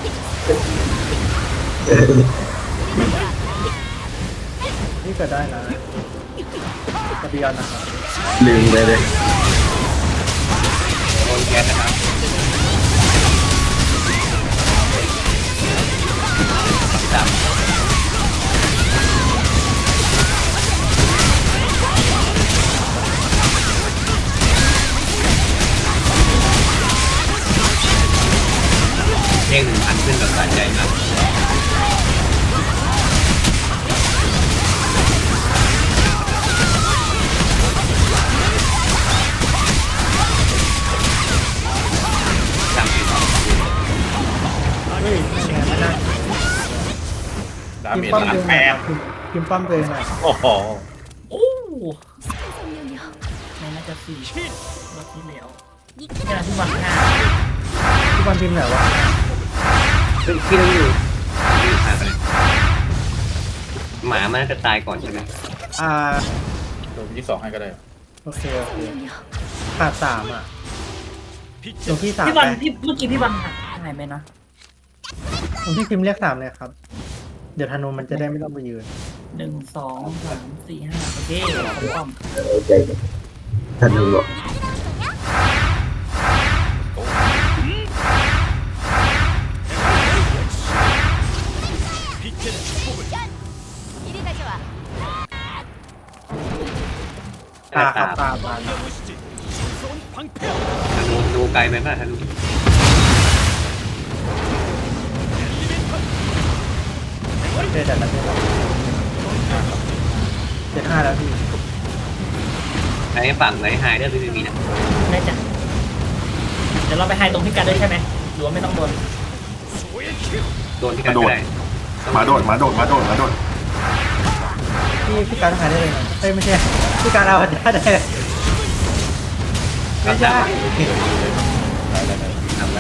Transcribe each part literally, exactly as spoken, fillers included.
นี่เกิดได้นะกระเบียนนะครับลืมไปเลยโดนแก๊สนะครับดำเด้งหนึ่งพันขึ้นแบบสะใจมากดำอีกสองเฮ้ยไม่ไงไม่ได้ดาพิเมมจพ์ป้อมล้าเดินนแปหน่อยดพิมพ์ป้อมเดินหน่อยโอ้โหโอ้ไม่น่าจะสี่รอบที่แล้วเนี่ยที่วางหน้าทุกวันพิมพ์ไหนวะเป็นที่เราอยู่ที่หายไปเลยหมามันน่าจะตายก่อนใช่ไหมอ่าตัวยี่สองให้ก็ได้โอเคโอเคขาดสามอ่ะหลวงพี่สามพี่ไปวันพี่เมื่อกี้พี่วันหายไหมนะหลวงพี่พิมพ์เรียกสามเลยครับ เดี๋ยวธนูมันจะได้ไม่ต้องไปยืนหนึ่งสองสามสี่ห้าโอเคผมป้อมใจท่านรู้หรอกตาครับตาบานธนูธนูไกลไหมป่ะธนูโอเคแต่ละเดือนเจ็ดห้าแล้วพี่ไหนฝั่งไหนหายได้ไม่มีนะแน่ใจเดี๋ยวเราไปไฮตรงพิกัดด้วยใช่ไหมหรือว่าไม่ต้องโดนโดนที่กันก็ได้มาโดดมาโดดมาโดดมาโดดพี่พี่การหายได้เลยนะเอ้ยไม่ใช่พี่การเอาได้ได้เลยไม่ใช่ทำแล้ว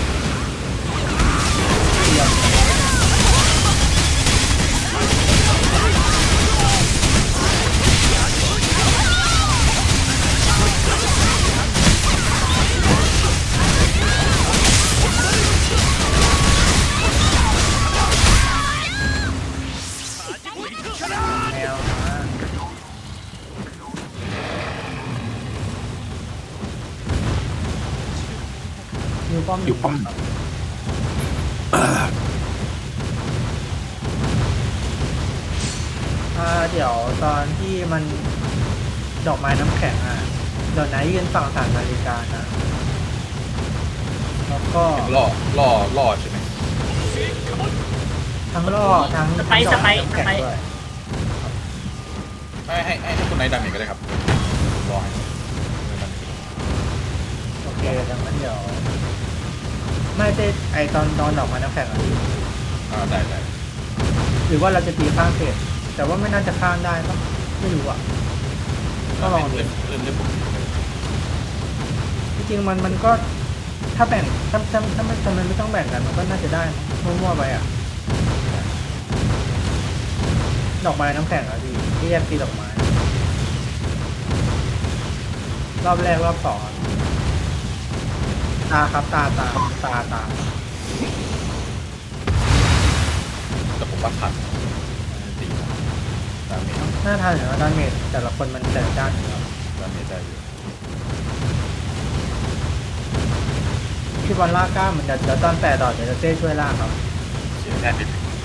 แมวนะอยู่ป้อมอยู่ป้อมอ่าเดี๋ยวตอนที่มันดอกไม้น้ำแข็งอ่ะเดี๋ยวไหนยืนฝั่งสามนาฬิกานะแล้วก็ล่อล่อล่อใช่ไหมทั้งล่อทั้งสไปซ์สทั้งดอกไปไม้ซ์น้ำสแข็งไปซ์ด้วยให้ให้ให้คุณนายดาเมจก็ได้ครับรอให้โอเคดังนั้นเดี๋ยวไม่ใช่ไอตอนตอนดอกไม้น้ำแข็งอ่ะอ่าได้ได้หรือว่าเราจะตีข้างเฟสแต่ว่าไม่น่าจะข้างได้ปะไม่รู้อ่ะก็ลองดูเล่นเล่นเล่นผมจริงๆมันมันก็ถ้าแบ่งถ้าถ้าถ้าไม่ทำไมไม่ต้องแบ่งกันมันก็น่าจะได้มั่วๆไปอ่ะดอกไม้น้ำแข็งอ่ะพี่ที่แยกตีดอกไม้ รอบแรกรอบสองอะตาครับตาตาตาตาแต่ผมว่าทันตีดาเมจหน้าทานหรือว่าดาเมจแต่ละคนมันแต่ละด้านอยู่แล้วดาเมจได้อยู่พี่บอลลากกล้าเหมือนเดี๋ยวเดี๋ยวตอนแปดดอกเดี๋ยวจะเต้ช่วยลากครับเสียได้เป็น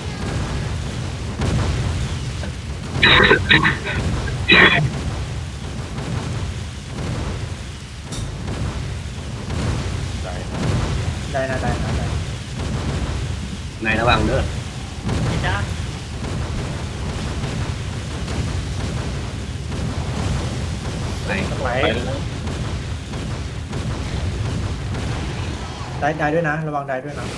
ได้ได้นะได้นะได้ในระหว่างเด้อพี่จ้าไหนไปได้ได้ด้วยนะ ระวังได้ด้วยนะ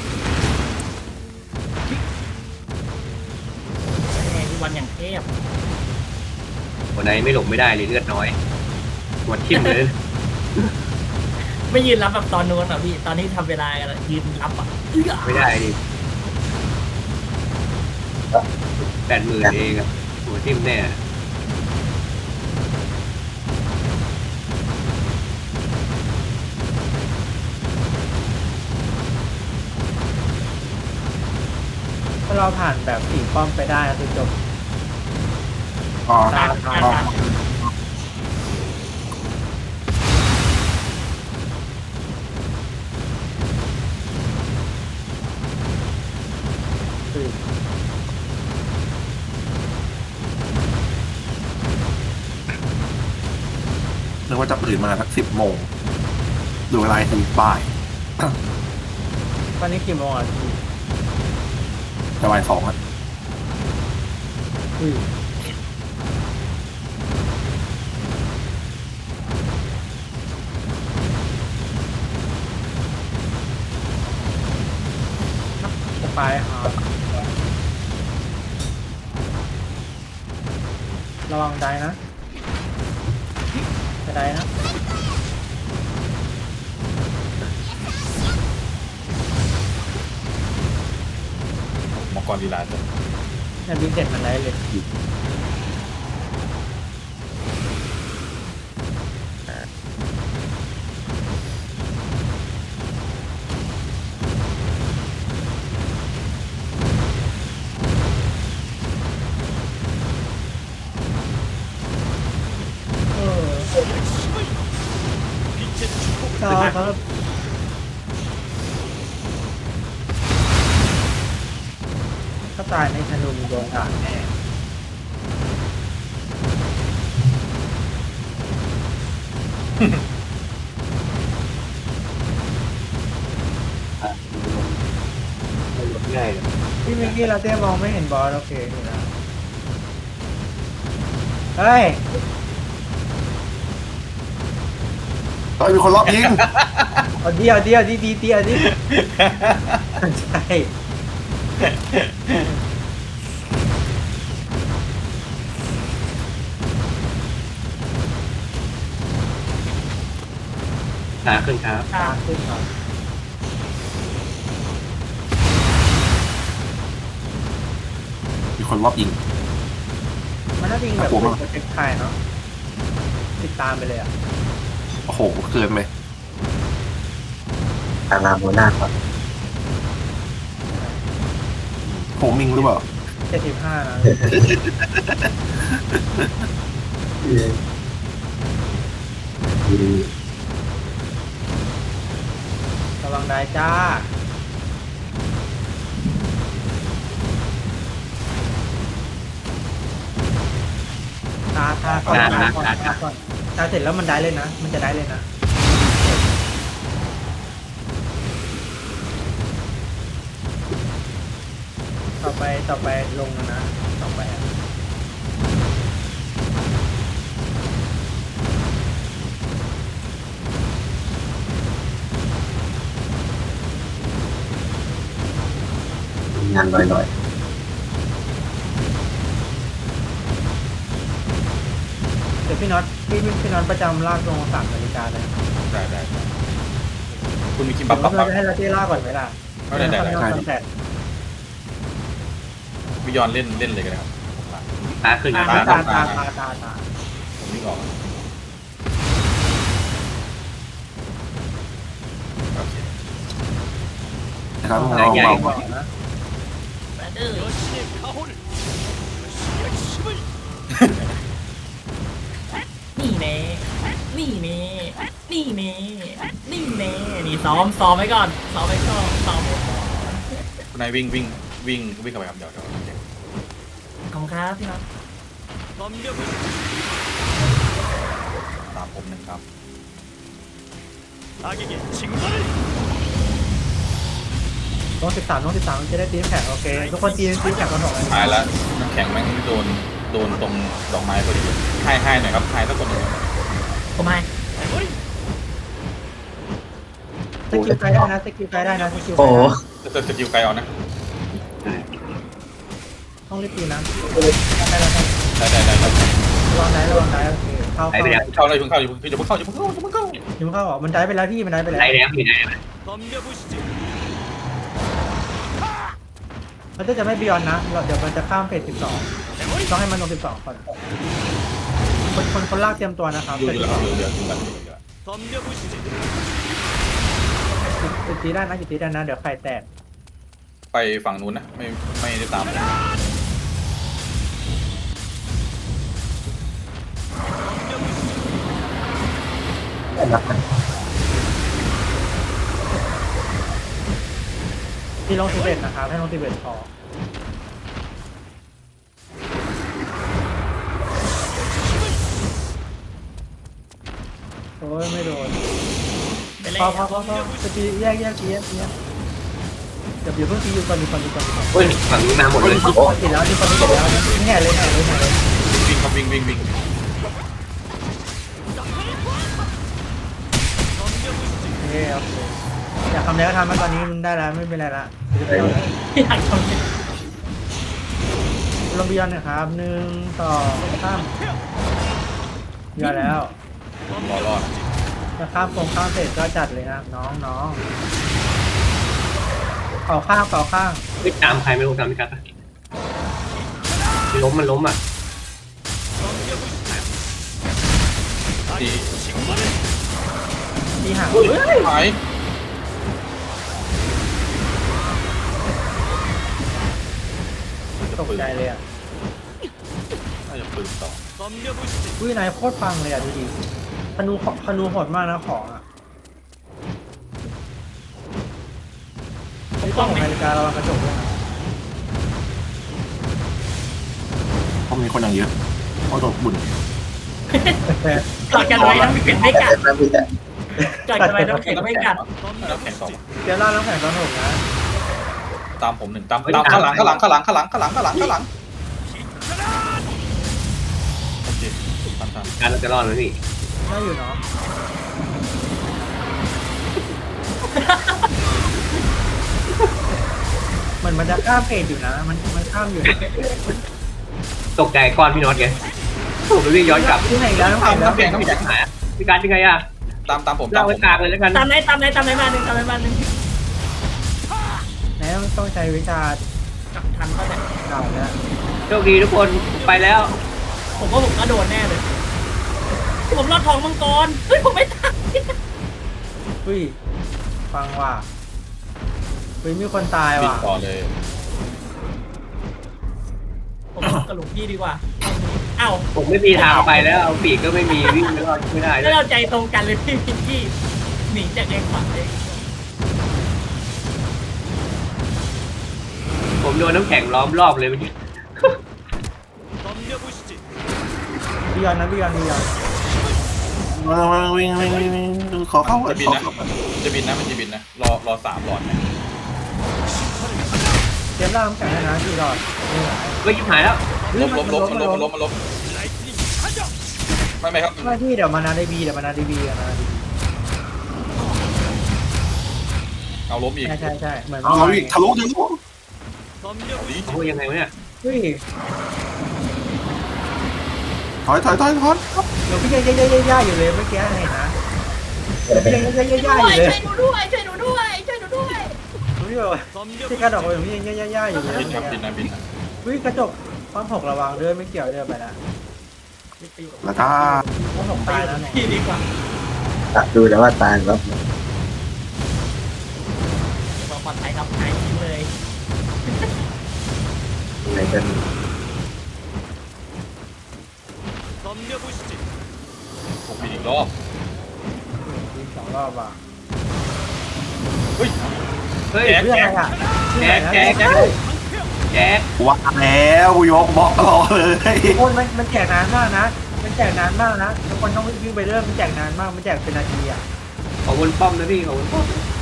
แม่พี่วันอย่างเทพคนไหนไม่หลบไม่ได้เลยเลือดน้อยหัวทิ่มเลยไม่ยืนรับแบบตอนนู้นอ่ะพี่ตอนนี้ทำเวลากันอะยืนรับอ่ะเอื้อไม่ได้ดิแปดหมื่นเองอะหัวทิ่มแน่ถ้าเราผ่านแบบสี่ป้อมไปได้ก็คือจบอ๋อตาตาอ๋อตาคือนึกว่าจะตื่นมาสักสิบโมงดูเวลาทีบ่ายตอนนี้กี่โมงอ่ะพี่จะบ่ายสองอ่ะอุ้ยจะไปครับระวังได้นะจะได้นะมังกรลีลาจะเนี่ยบินเจ็ดมันได้เลยเออครับครับถ้าตายในธนูโดนด่าแน่ไม่ลดง่ายเลยพี่มิกกี้ลาเต้มองไม่เห็นบอสโอเคอยู่นะเฮ้ยเฮ้ยมีคนรอบยิงเอาเดียวเดียวดีดีเดียวดิใช่ขาขึ้นครับตาขึ้นครับมีคนรอบยิงมันน่าจะยิงแบบน่ากลัวมากเป็นเป็นใครเนาะติดตามไปเลยอ่ะโอ้โหเกินไปตาลาโมนาก่อนโฮมิงหรือเปล่าเจ็ดสิบห้านะระวังได้จ้าตาตาก่อนตาก่อนตาก่อนตาเสร็จแล้วมันได้เลยนะ มันจะได้เลยนะ ต่อไปต่อไปลงนะ ต่อไปอะงานลอยเดี๋ยวพี่น็อตพี่พี่พี่น็อตประจำลากลงสามนาฬิกาเลยได้ได้ได้คุณมีคิมเดี๋บัยบวบับเราจะให้ลาเต้ลากก่อนไหมล่ะไม่ได้ได้ได้คอนแทควิยอนเล่นเล่นเลยกันนะครับผมละขาขึ้นคตารับตาตาตาตาตาผมวิ่งออกโอเคนะครับตาลองใหญ่เบากว่านะแบดเดอร์นี่เน่นี่เน่นี่เน่นี่เน่นี่ซ้อมซ้อมไว้ก่อนซ้อมไว้ก่อนซ้อมไว้ก่อนคุณนายวิ่งวิ่งวิ่งวิ่งเข้าไปครับเดี๋ยวเดี๋ยวเดี๋ยวขอบคุณครับพี่น็อตตามผมหนึ่งครับน้องสิบสามน้องสิบสามจะได้ตีมแข่งโอเคทุกคนตีตีมแข่งกันหมดเลยตายแล้วน้ำแข็งแม่งโดนโดนตรงดอกไม้พอดีให้ให้หน่อยครับให้สักคนหนึ่งผมให้สกิลไกด์ได้นะสกิลไกด์ได้นะสกิลๆโอ้โหจะจะจะยิวไกลเอานะต้องรีบตีนะได้แล้วครับได้ได้ได้ครับระวังได้ระวังได้โอเคเข้าได้เข้าไปแล้วเข้าเลยเพิ่งเข้าอย่าเพิ่งเข้าอย่าเพิ่งเข้าอย่าเพิ่งเข้าอย่าเพิ่งเข้ายิงเข้าอ่ะมันได้ไปแล้วพี่มันได้ไปแล้วได้แล้วมีได้ไหมมันจะไม่บิยอนนะเราเดี๋ยวมันจะข้ามเฟสสิบสองต้องให้มันลงสิบสองก่อนคนคนคนลากเตรียมตัวนะครับอยู่เฟสอยู่สิแล้บวสองอยู่อยู่อยู่แล้วอยู่แล้วจุดตีได้นะจุดตีได้นะเดี๋ยวไข่แตกไปไปฝั่งนู้นนะไม่ไม่ได้ตามที่ลงสิบเอ็ดนะครับให้ลงสิบเอ็ดพอโอ้ยไม่โดนไปเลยพอพอพอพอจะตีแยกแยกแยกแยกเดี๋ยวเดี๋ยวเพิ่งตีอยู่ก่อนดีก่อนดีก่อนดีก่อนเฮ้ยฝั่งนี้มาหมดเลยโอ้ติดแล้วดีก่อนดีก่อนแล้วนี่แห่เลยแห่เลยแห่เลยวิ่งครับวิ่งวิ่งวิ่งโอเคโอเคอยากทำอะไรก็ทำมาตอนนี้มันได้แล้วไม่เป็นไรละอยากทำเลยลงบิยอนนะครับหนึ่งสองสามยอดแล้วรอรอดถ้าข้ามตรงข้ามเสร็จก็จัดเลยนะน้องน้องเป่าข้างเป่าข้างไม่ตามใครไม่รู้ตามพี่กัดปะล้มมันล้มอ่ะดีตีห่างหายตกใจเลยอ่ะน่าจะปืนต่ออุ้ยนายโคตรฟังเลยอ่ะดูดิธนูธนูโหดมากนะของอ่ะไอ้กล้องของนาฬิการะวังกระจกด้วยนะเพราะมีคนอย่างเยอะเพราะโดนบุญกอดกันไว้น้ำแข็งไม่กัดกอดกันไว้น้ำแข็งไม่กัดน้ำแข็งสองเดี๋ยวเล่าน้ำแข็งตอนหกนะตามผมหนึ่งตามตามข้างหลังข้างหลังข้างหลังข้างหลังข้างหลังข้างหลังข้างหลังโอเคตามตามการเราจะรอดไหมพี่น่าอยู่เนาะเหมือนมันจะข้ามเพจอยู่นะมันมันข้ามอยู่นะตกใจก้อนพี่น็อตไงผมไปวิ่งย้อนกลับที่ไหนแล้วน้ำแข็งแล้วน้ำแข็งน้ำแข็งหายพี่การยังไงอ่ะตามตามผมตาเล่ามผไว้มกลางเลยแล้วกันตามไหนตามไหนตามไหนมาหนึ่งตามไหนมาหนึ่งไหนต้องใช้วิชากับทันเขาเนี่ยเก่าแล้วโชคดีทุกคนไปแล้วผมว่าผมก็โดนแน่เลย ผมรอดทองมังกรเฮ้ยผมไม่ตายอุ้ยฟังว่ะอุ้ยมีคนตายวิ่งว่ะต่อเลยผมกับหลวงพี่ดีกว่าเอ้าผมไม่มีทางไปแล้วเอาปีกก็ไม่มีวิ่งไม่รอดไม่ได้แล้วเราใจตรงกันเลยพี่พิงกี้หนีจากเองฝังเองผมโดนน้ำแข็งล้อมรอบเลยเมื่อกี้บิยอนนะบิยอนบิยอนวิ่งวิ่งวิ่งวิ่งวิ่งขอเข้าจะบินขอนะเข้าจะบินนะมันจะบินนะรอรอสามหลอดนะเตรียมล่าน้ำแข็งให้นะที่รอดนี่ไหนก็ยิบหายแล้วล้มล้มล้มมันล้มมันล้มมันล้มไม่ไม่ครับไม่ที่เดี๋ยวมานาได้บีเดี๋ยวมานาได้บีกันนะเอาล้มอีกใช่ใช่ใช่เหมือนเอาอีกทะลุทะลุดีโอ้ยยังไงวะเนี่ยเฮ้ยถอยถอยถอยถอยเดี๋ยวพี่ยังย่าย่าย่าอยู่เลยเมื่อกี้เห็นนะพี่ยังย่าย่าย่าอยู่เลยช่วยหนูด้วยช่วยหนูด้วยช่วยหนูด้วยพี่แบบที่กระดกไปพี่ยังย่าย่าย่าอยู่เลยบินครับบินนะบินนะวิ่งกระจกความหกระวังเดินไม่เกี่ยวเดินไปแล้วแล้วก็ความหกตายแล้วเนี่ยพี่ดีกว่าตัดดูแล้วว่าตายแล้วปลอดภัยครับหายทิ้งเลยในกันผมบินอีกรอบวิ่งสองรอบว่ะเฮ้ยเฮ้ยแก๊กเรื่องอะไรอ่ะแจ๊กแจ๊กแจ๊กแจ๊กว่าแล้วกูยกบล็อกรอเลยโอ้ยมันมันแจกนานมากนะมันแจกนานมากนะทุกคนต้องวิ่งไปเรื่อยมันแจกนานมากมันแจกเป็นนาทีอ่ะขอวนป้อมนะพี่ขอวนป้อม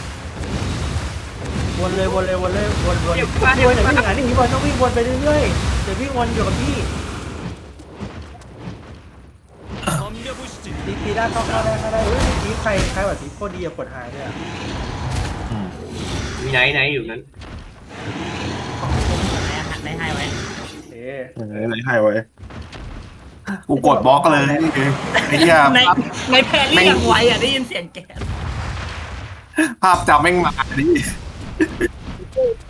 วนเลยวนเลยวนเลยวนวนเดี๋เดี๋ยยว วมาวิ่งเดี๋ยวอ่ะนี่พี่บอลต้องวิ่งวนไปเรื่อยๆเดี๋ยววิ่งวนอยู่กับพี่ตีตีได้เข้าเข้าได้เข้าได้เฮ้ยตีใครใครแบบตีโคตรดีอะกดหายเลยอะมีไหนไหนอยู่นั้นได้ให้ไว้เอ๊ะเออไหนให้ไว้กูกดบล็อกเลยไอ้เหี้ยในในแพรรี่ยังไวอ่ะได้ยินเสียงแกภาพจำแม่งมาดิ